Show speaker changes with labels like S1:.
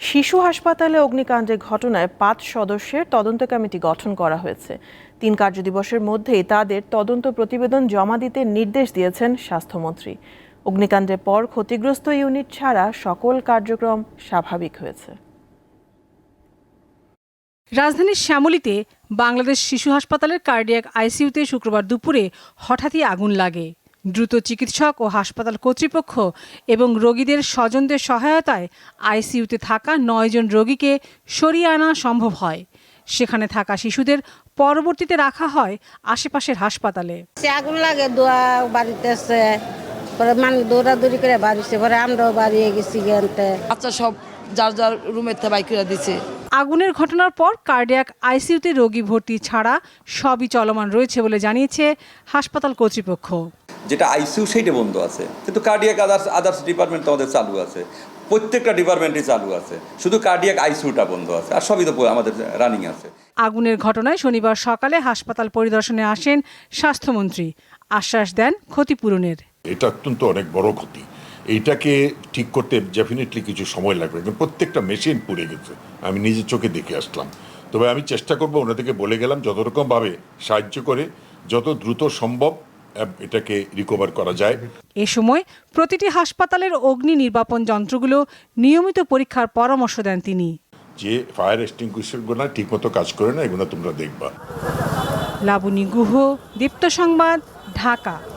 S1: শিশু হাসপাতালে অগ্নিকাণ্ডের ঘটনায় ৫ সদস্যের তদন্ত কমিটি গঠন করা হয়েছে। ৩ কার্যদিবসের মধ্যেই তাদের তদন্ত প্রতিবেদন জমা দিতে নির্দেশ দিয়েছেন স্বাস্থ্যমন্ত্রী। অগ্নিকাণ্ডের পর ক্ষতিগ্রস্ত ইউনিট ছাড়া সকল কার্যক্রম স্বাভাবিক হয়েছে।
S2: রাজধানীর শ্যামলীতে বাংলাদেশ শিশু হাসপাতালের কার্ডিয়াক আইসিইউতে শুক্রবার দুপুরে হঠাৎই আগুন লাগে। দ্রুত চিকিৎসক ও হাসপাতাল কর্তৃপক্ষ এবং রোগীদের স্বজনদের সহায়তায় আইসিইউতে থাকা ৯ জন রোগীকে সরিয়ে আনা সম্ভব হয়। সেখানে থাকা শিশুদের পরবর্তীতে রাখা হয় আশেপাশের হাসপাতালে।
S3: আগুন লাগে দোয়া বাড়িতে আছে, পরে মানুষ দৌড়াদৌড়ি করে বাড়িছে, পরে আমরাও বাড়িয়ে গেছি।
S4: বাচ্চা সব যার যার রুমের থেকে বাইক করে দিচ্ছে।
S2: আগুনের ঘটনার পর কার্ডিয়াক আইসিইউতে রোগী ভর্তি ছাড়া সবই চলমান রয়েছে বলে জানিয়েছে হাসপাতাল কর্তৃপক্ষ।
S5: যেটা আইসিইউ সেইটা বন্ধ আছে, কিন্তু কার্ডিয়াক আদার্স ডিপার্টমেন্ট আমাদের চালু আছে, প্রত্যেকটা ডিপার্টমেন্টই চালু আছে, শুধু কার্ডিয়াক আইসিইউটা বন্ধ আছে, আর সবই তো আমাদের রানিং আছে।
S2: আগুনের ঘটনায় শনিবার সকালে হাসপাতাল পরিদর্শনে আসেন স্বাস্থ্যমন্ত্রী। আশ্বাস দেন ক্ষতিপূরণের।
S6: এটা অত্যন্ত অনেক বড় ক্ষতি, এইটাকে ঠিক করতে ডেফিনেটলি কিছু সময় লাগবে, কিন্তু প্রত্যেকটা মেশিন পুড়ে গেছে, আমি নিজের চোখে দেখে আসলাম। তবে আমি চেষ্টা করব, ওনাদেরকে বলে গেলাম যত রকমভাবে সাহায্য করে যত দ্রুত সম্ভব এটাকে রিকভার করা যায়।
S2: এ সময় প্রতিটি হাসপাতালের অগ্নি নির্বাপন যন্ত্রগুলো নিয়মিত পরীক্ষার পরামর্শ দেন তিনি।
S6: যে ফায়ার এক্সটিংগুইশারগুলো ঠিকমতো কাজ করে না, এগুলো তোমরা দেখবা।
S2: লাবণী গুহ, দীপ্ত সংবাদ, ঢাকা।